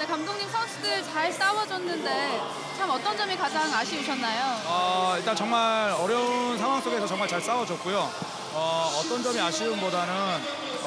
네, 감독님 선수들 잘 싸워줬는데 참 어떤 점이 가장 아쉬우셨나요? 일단 정말 어려운 상황 속에서 정말 잘 싸워줬고요. 어떤 점이 아쉬움보다는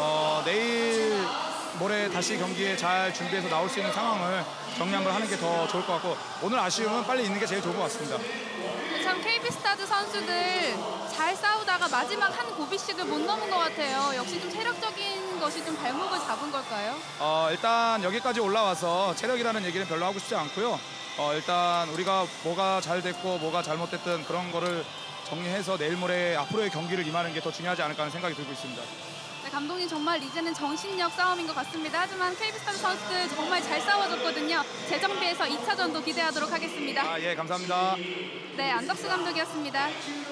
내일 모레 다시 경기에 잘 준비해서 나올 수 있는 상황을 정리 한번 하는 게 더 좋을 것 같고, 오늘 아쉬움은 빨리 있는 게 제일 좋은 것 같습니다. 참 KB스타즈 선수들 잘 싸우다가 마지막 한 고비씩을 못 넘은 것 같아요. 역시 좀 체력적인 것이 좀 발목을 잡은 걸까요? 일단 여기까지 올라와서 체력이라는 얘기는 별로 하고 싶지 않고요. 일단 우리가 뭐가 잘 됐고 뭐가 잘못됐든 그런 거를 정리해서 내일 모레 앞으로의 경기를 임하는 게 더 중요하지 않을까 하는 생각이 들고 있습니다. 네, 감독님 정말 이제는 정신력 싸움인 것 같습니다. 하지만 KB스타즈 선수들 정말 잘 싸워줬거든요. 재정비해서 2차전도 기대하도록 하겠습니다. 예, 감사합니다. 네, 안덕수 감독이었습니다.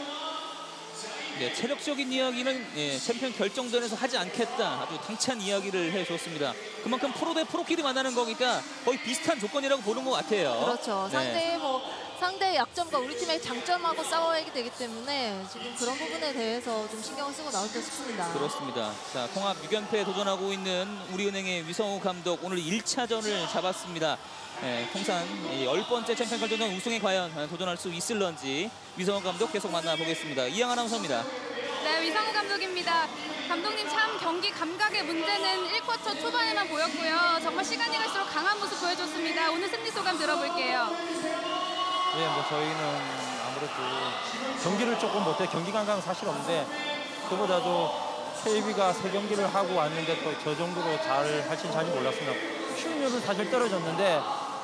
네, 체력적인 이야기는 챔피언 결정전에서 하지 않겠다. 아주 당찬 이야기를 해줬습니다. 그만큼 프로 대 프로끼리 만나는 거니까 거의 비슷한 조건이라고 보는 것 같아요. 그렇죠. 네. 상대의 약점과 우리 팀의 장점하고 싸워야 되기 때문에 지금 그런 부분에 대해서 좀 신경을 쓰고 나올 듯 싶습니다. 그렇습니다. 자, 통합 6연패에 도전하고 있는 우리은행의 위성우 감독, 오늘 1차전을 잡았습니다. 통산 10번째 챔피언 결정전 우승에 과연 도전할 수 있을런지 위성우 감독 계속 만나보겠습니다. 이양 아나운서입니다. 네, 위성우 감독입니다. 감독님 참 경기 감각의 문제는 1쿼터 초반에만 보였고요. 정말 시간이 갈수록 강한 모습 보여줬습니다. 오늘 승리 소감 들어볼게요. 네, 저희는 아무래도 경기를 조금 못해 경기 감각은 사실 없는데, 그보다도 KB가 3경기를 하고 왔는데 또 저 정도로 잘 할지 잘 몰랐습니다. 슛률은 사실 떨어졌는데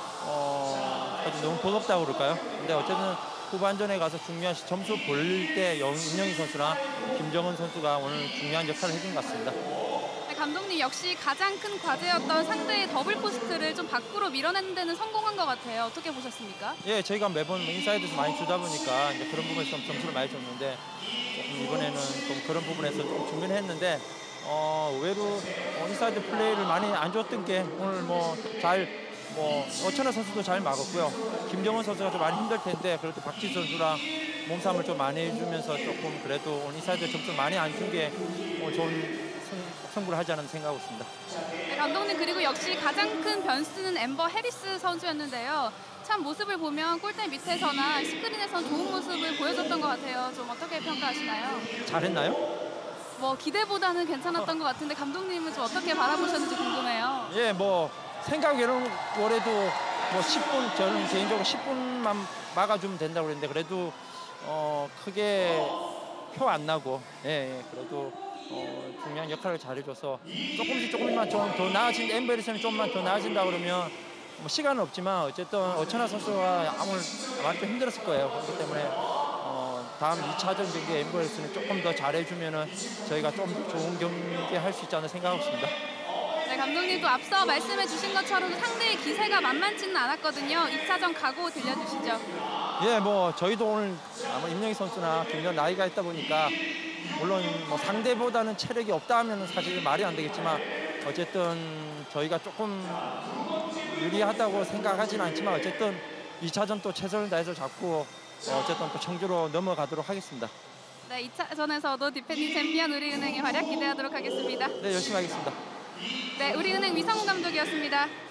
아주 너무 버겁다고 그럴까요? 근데 어쨌든 후반전에 가서 중요한 점수 벌릴 때 임영희 선수나 김정은 선수가 오늘 중요한 역할을 해준 것 같습니다. 네, 감독님 역시 가장 큰 과제였던 상대의 더블 포스트를 좀 밖으로 밀어내는 데는 성공한 것 같아요. 어떻게 보셨습니까? 예, 저희가 매번 인사이드에서 많이 주다 보니까 이제 그런 부분에서 좀 점수를 많이 줬는데, 조금 이번에는 좀 그런 부분에서 좀 준비를 했는데 의외로 인사이드 플레이를 많이 안 줬던 게 오늘 어천하 선수도 잘 막았고요. 김정은 선수가 좀 많이 힘들 텐데 그래도 박지 선수랑 몸싸움을 좀 많이 해주면서 조금 그래도 오늘 인사이드 점수를 많이 안 준 게 좋은 승부를 하지 않은 생각하고 있습니다. 네, 감독님 그리고 역시 가장 큰 변수는 엠버 해리스 선수였는데요. 참 모습을 보면 골대 밑에서나 스크린에서 좋은 모습을 보여줬던 것 같아요. 좀 어떻게 평가하시나요? 잘했나요? 기대보다는 괜찮았던 것 같은데 감독님은 좀 어떻게 바라보셨는지 궁금해요. 예, 생각에는 올해도 10분, 저는 개인적으로 10분만 막아주면 된다고 그랬는데 그래도 크게 표 안 나고 그래도 중요한 역할을 잘해줘서 조금만 좀 더 나아진, 엠베리스는 좀만 더 나아진다 그러면 시간은 없지만 어쨌든 어천하 선수가 오늘 많이 좀 힘들었을 거예요. 그렇기 때문에 다음 2차전 경기에 엠베리스는 조금 더 잘해주면은 저희가 좀 좋은 경기 할 수 있지 않나 생각하고 있습니다. 네, 감독님도 앞서 말씀해 주신 것처럼 상대의 기세가 만만치는 않았거든요. 2차전 각오 들려주시죠. 예, 저희도 오늘 아마 임영희 선수나 김정 나이가 있다 보니까 물론 상대보다는 체력이 없다 하면 사실 말이 안 되겠지만 어쨌든 저희가 조금 유리하다고 생각하지는 않지만 어쨌든 2차전 또 최선을 다해서 잡고 어쨌든 또 청주로 넘어가도록 하겠습니다. 네, 2차전에서도 디펜딩 챔피언 우리은행의 활약 기대하도록 하겠습니다. 네, 열심히 하겠습니다. 네, 우리은행 위성우 감독이었습니다.